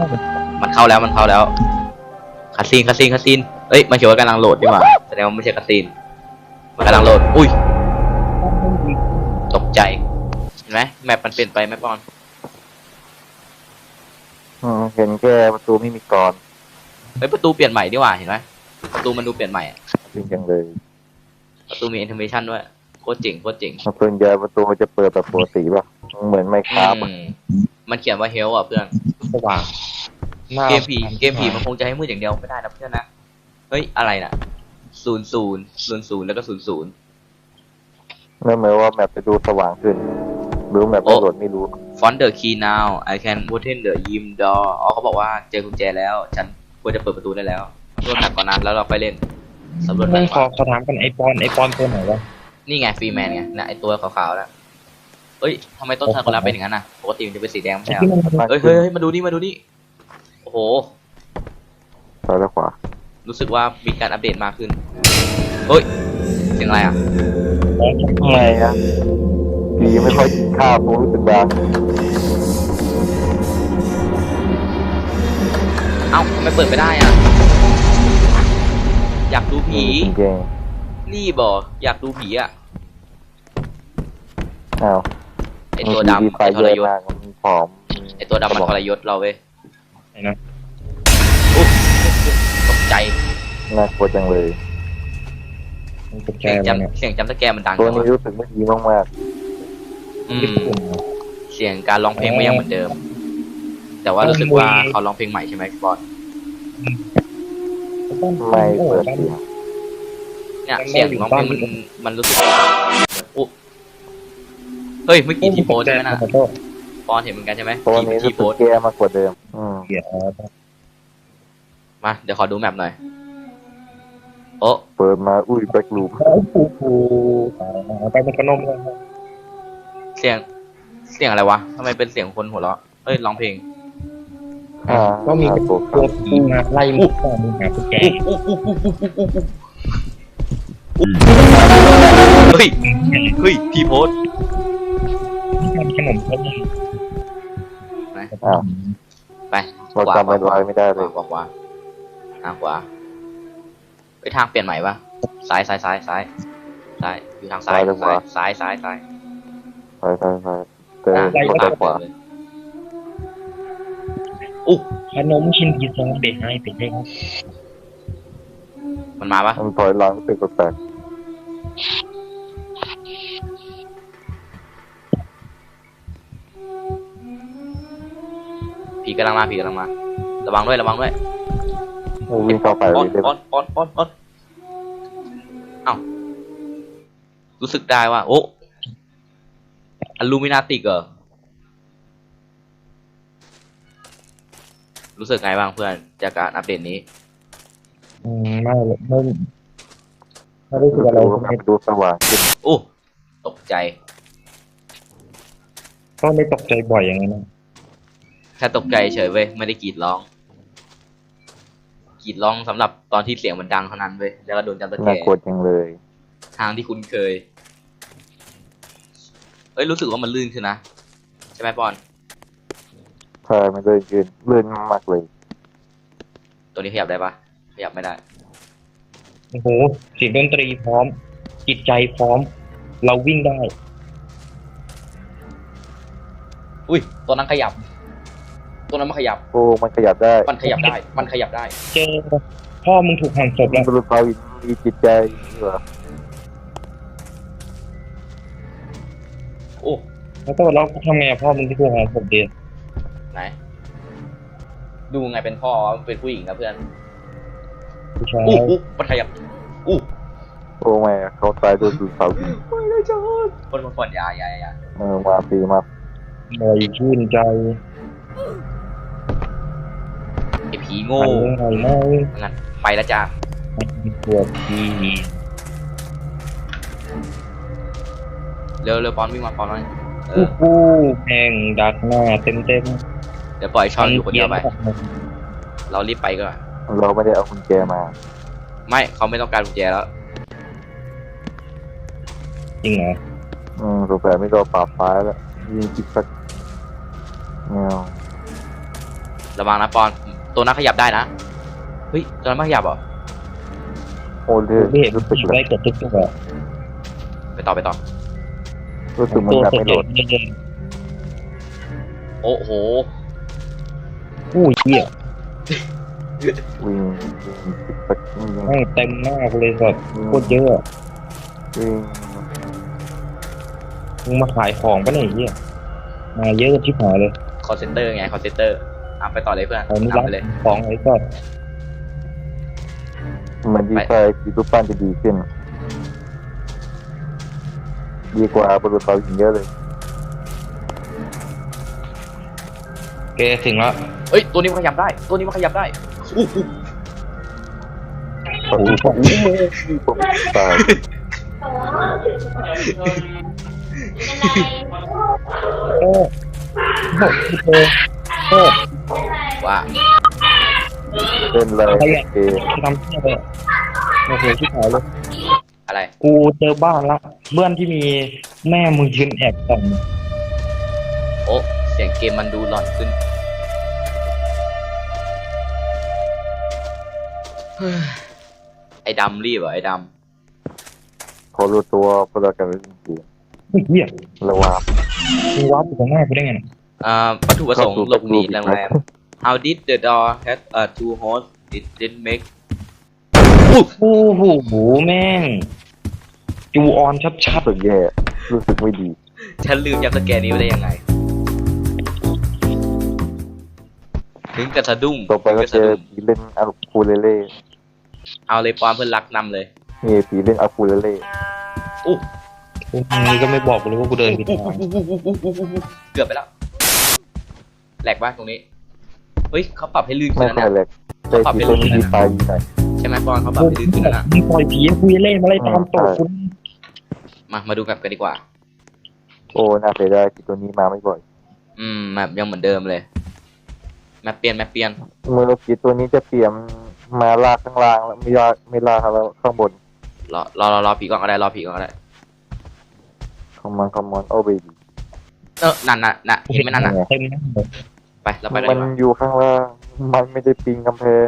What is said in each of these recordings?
มันเข้าแล้วมันเข้าแล้วคาซีนเอ้ยมันเขียนว่ากำลังโหลดดีกว่าแสดงว่าไม่ใช่คาซีนมันกำลังโหลดอุ้ยตกใจเห็นไหมแมปมันเปลี่ยนไปไหมปอนเห็นแค่ประตูไม่มีกรอนเฮ้ยประตูเปลี่ยนใหม่ดีกว่าเห็นไหมประตูมันดูเปลี่ยนใหม่อะจริงจังเลยประตูมีแอนิเมชันด้วยโคตรเจ๋งส่วนใหญ่ประตูจะเปิดแบบปกติป่ะเหมือนไมค์ครับมันเขียนว่าเฮลอ่ะเพื่อนสว่างเกมผีมันคงจะให้มืดอย่างเดียวไม่ได้นะเพื่อนนะเฮ้ยอะไรน่ะ00แล้วก็00 นั่นหมายว่าแมปจะดูสว่างขึ้นหรือแมปไม่โหลดไม่รู้ Find the key now I can open the room door อ๋อเขาบอกว่าเจอกุญแจแล้วฉันควรจะเปิดประตูได้แล้วรวดหนักกว่านั้นแล้วเราไปเล่นสำรวจไม่แบขอถามกันไอปอนตัวไหนวะนี่ไงฟรีแมนไงนะไอตัวขาวๆแล้วเอ้ยทำไมต้นทางคนละเป็นอย่างนั้นน่ะปกติมันจะเป็นสีแดงไม่ใช่เหรอเฮ้ยมาดูนี่โอ้โหซ้ายและขวารู้สึกว่ามีการอัปเดตมากขึ้นเฮ้ยเสียงอะไรอ่ะทำไมอะผีไม่ค่อยกินข้าวผมรู้สึกดังเอ้าทำไมเปิดไม่ได้อ่ะอยากดูผีจริงนี่บอกอยากดูผีอ่ะๆอ้าวไอตัวดำไฟไอทเยรอะยศมากมันผอมไอตัวดำมันทรยศเราเว้ยไหนนะอุ๊ยตกใจน่ากลัวจังเลยมันตกใจเสียงแล้วเนี่ยจำเสียงจำสแกร์มันดังตัวจังนี้วะรู้สึกไม่ดีมากอืมเสียงการร้องเพลงไม่ยังเหมือนเดิม แต่ว่ารู้สึกว่าเขาร้องเพลงใหม่ใช่ไหมบอลๆไม่เปิดเสียงเนี่ยเสียงร้องเพลงมันรู้สึกอุ๊เฮ้ยเมื่อกี้ที่โพสใช่ไหมนะปอนเห็นเหมือนกันใช่ไหมตัวนี้รู้ที่สึโพกสแย่มากกว่าเดิมเกียร์มาเดี๋ยวขอดูแมปหน่อยโอ้เปิดมาอุ้ยแบ็กลูปปูไปเป็นขนมเลยเสียงอะไรวะทำไมเป็นเสียงคนหัวเราะเอ้ยร้องเพลงก็มีตัวตัวผีมาไล่มึงต่อมึงหากุญแจเฮ้ยพี่โพสทำขนมเขาเลยอ้าวไปเราจำไปไว้ไม่ได้เลยขวาขวาไปทางเปลี่ยนใหม่ปะซ้ายอยู่ทางซ้ายซ้ายไปเติมรถไปขวาอุ๊ขนมชิ้นที่สองเด็กให้เป็นได้ครับมันมาปะมันถอยหลังรู้สึกแปลกผีกำลังมาระวังด้วยๆวิ่งเข้าไปเลยได้ออนเอ้ารู้สึกได้ว่าโอ้อลูมินาติกเหรอรู้สึกไงบ้างเพื่อนจากการอัปเดตนี้ไม่รู้สึกอะไรดูสว่างขึ้นโอ้ตกใจก็ไม่ตกใจบ่อยอย่างนั้นแค่ตกใจเฉยเว้ยไม่ได้กรีดร้องสำหรับตอนที่เสียงมันดังเท่านั้นเว้ยแล้วก็โดนจับตะแกน่ากลัวจังเลยทางที่คุ้นเคยเอ้ยรู้สึกว่ามันลื่นขึ้นนะใช่ไหมปอนใช่ไม่เลยยืนลื่นมากเลยตัวนี้ขยับได้ปะขยับไม่ได้โอ้โหเสียงดนตรีพร้อม จิตใจพร้อม เราวิ่งได้อุ้ยตัวนั้นขยับตัวนั้นมันขยับโอ้มันขยับได้มันขยับได้เจอพ่อมึงถูกหั่นศพมัแล้นวเป็นเรามีจิตใจเหรอโอ้แล้วก็เราทำไงพ่อมึงที่ถูกหั่นศพเดียไหนดูไงเป็นพ่อมันเป็นผู้หญิงนะเพื่อนผู้ชายมันขยับอู้โอ้แม่เขาตายโดยดูเสาหินไม่ได้จอดคนยามาปีมาหน่อยชื่นใจไอผีโง่หน่อยน้อยงั้นไปแล้วจ้าปวดทีเร็วปอนวิ่งมาปอนหน่อยผู้แข่งดักหน้าเต็มเดี๋ยวปล่อยช่อนอยู่คนเดียวไปเรารีบไปก่อนเราไม่ได้เอากุญแจมาไม่เขาไม่ต้องการกุญแจแล้วจริงเหรอสงสัยไม่รอปราบฟ้าแล้วยิงจิกสักเงาระวังนะปอนตัวนั้นขยับได้นะเฮ้ยตัวนั้นไม่ขยับเหรอโอ้เลือดไม่เห็นรู้สึกได้เลยเกือบทุกตัวไปต่อรู้สึกมันตัวแบบเสร็ไม่จโหลดโอ้โหอู้ยเหี้ยวิ่งสักวิ่งแม่งเต็มหน้ากูเลยสัตว์โคตรเยอะวิ่งมึงมาขายของปะเนี่ยไอ้เหี้ยมาเยอะกันชิบหายเลยคอเซนเตอร์ไงคอเซนเตอร์ไปต่อเลยเพื่อนเอาไม่นำรับไปเลยของไอ้สัตว์มันดีไซน์ที่รูปปั้นจะดีขึ้น ดีกว่าบรุษเราหินเยอะเลยแกถึงแล้วเอ้ยตัวนี้มันขยับได้ตัวนี้มันขยับได้อู้หูประตูของผมตายโอ้โหโอ้ว่าเล่นเลยเอทำเหี้ยเลยโอ้โหชิบหายเลยอะไรกูเจอบ้านละเพื่อนที่มีแม่มึงยืนแอบส่องโอ้เสียงเกมมันดูหลอนขึ้นเฮ้ยไอ้ดำรีบเหรอไอ้ดพอรู้ตัวพอเรากันเป็นจริงเหี้ยระวังมึงว้าอยู่ตรงหน้ากูได้ไงเนี่ยำวัตถุประสงค์หลบหนีโรงแรม How did the door have two holes it didn't make โอ้โหแม่งจูออนชัดรู้สึกแย่รู้สึกไม่ดีฉันลืมยับสแกนนี้ไว้ได้ยังไง ถึงกับสะดุ้งต่อไปก็ถึงเจกับอสะดุ้งผีเล่นอะคูเลเล่เอาเลยปอนเพื่อนรักนำเลยนี่ผีเล่นอะคูเลเล่อู้ๆกูมึงก็ไม่บอกกูเลยว่ากูเดินผิดทางเกือบไปแล้วแหลกบ้างตรงนี้ เฮ้ยเขาปรับให้ลื่นขึ้ไม่นแล้วค่อยนะแหลกใจผีตัวนี้ดีไซน์ดีหน่อยใช่ไหมปอนเขาปรับให้ลื่นขึ้นแล้วนะมึงปล่อยผีให้กูเล่นมาไล่ตามตบกูมาดูแบบกันดีกว่าโอ้น่าเสียดายผีตัวนี้มาไม่บ่อยแบบยังเหมือนเดิมเลยแมปเปลี่ยนเมื่อผีตัวนี้จะเปลี่ยนมาลากข้างล่างแล้วไม่ลากแล้วข้างบนรอผีก่อนก็ได้รอผีก่อนก็ได้คอมมอนโอ้เบบี้นั่นเห็นไหมนั่นน่ะเต็มหน้าเลยไปเราไปกันมัดีนกว่าอยู่ข้างล่าง มันไม่ได้ปีนกำแพง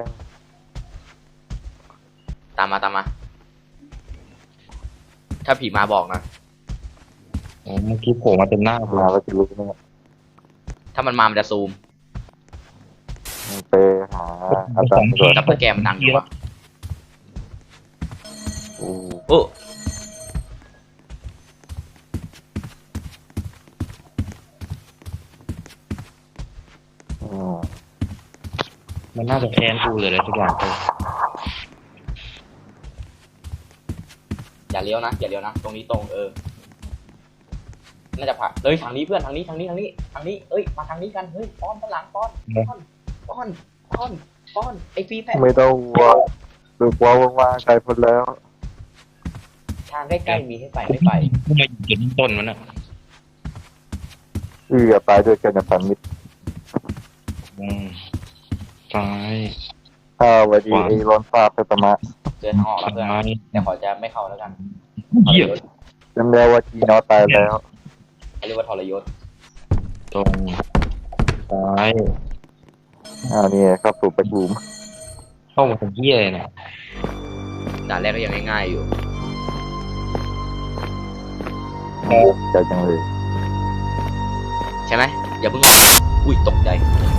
ตามมา ถ้าผีมาบอกนะโอ้เมื่อกี้โผล่มาเต็มหน้ากูมาแล้วจะรู้เนี่ยถ้ามันมามันจะซูมไปหาอาจารย์ก่อนจับตะแกรงมันดังอยู่วะโอ้โอ้อืมมันน่าจะแค้นกูเลยอะไรสักอย่างไปอย่าเลี้ยวนะตรงนี้ตรงน่าจะผ่านเลยทางนี้เพื่อนทางนี้เอ้ยมาทางนี้กันเฮ้ยป้อนข้างหลังป้อนไอ้ฟรีแพทไม่ต้องห่วงดูกว่าว่างๆไกลพ้นแล้วทางใกล้ๆมีให้ไปไม่ไปกูมาอยู่จุดต้นมันอ่ะตายด้วยกันในพันมิตรซ้ายวันดีไอ้ร้อนฟ้าไปประมาเดินทางออกแล้วเพื่อนซ้ายแต่ขอจะไม่เข้าแล้วกันเหี้ยจำได้ว่าจีนอตายแล้วเขาเรียกว่าทรยศตรงซ้ายนี่ครับสู่ประชุมเข้ามาเป็นเหี้ยเลยเนี่ยด่านแรกก็ยังง่ายๆอยู่ใจจังเลยใช่ไหมอย่าเพิ่งออกอุ้ยตกใจ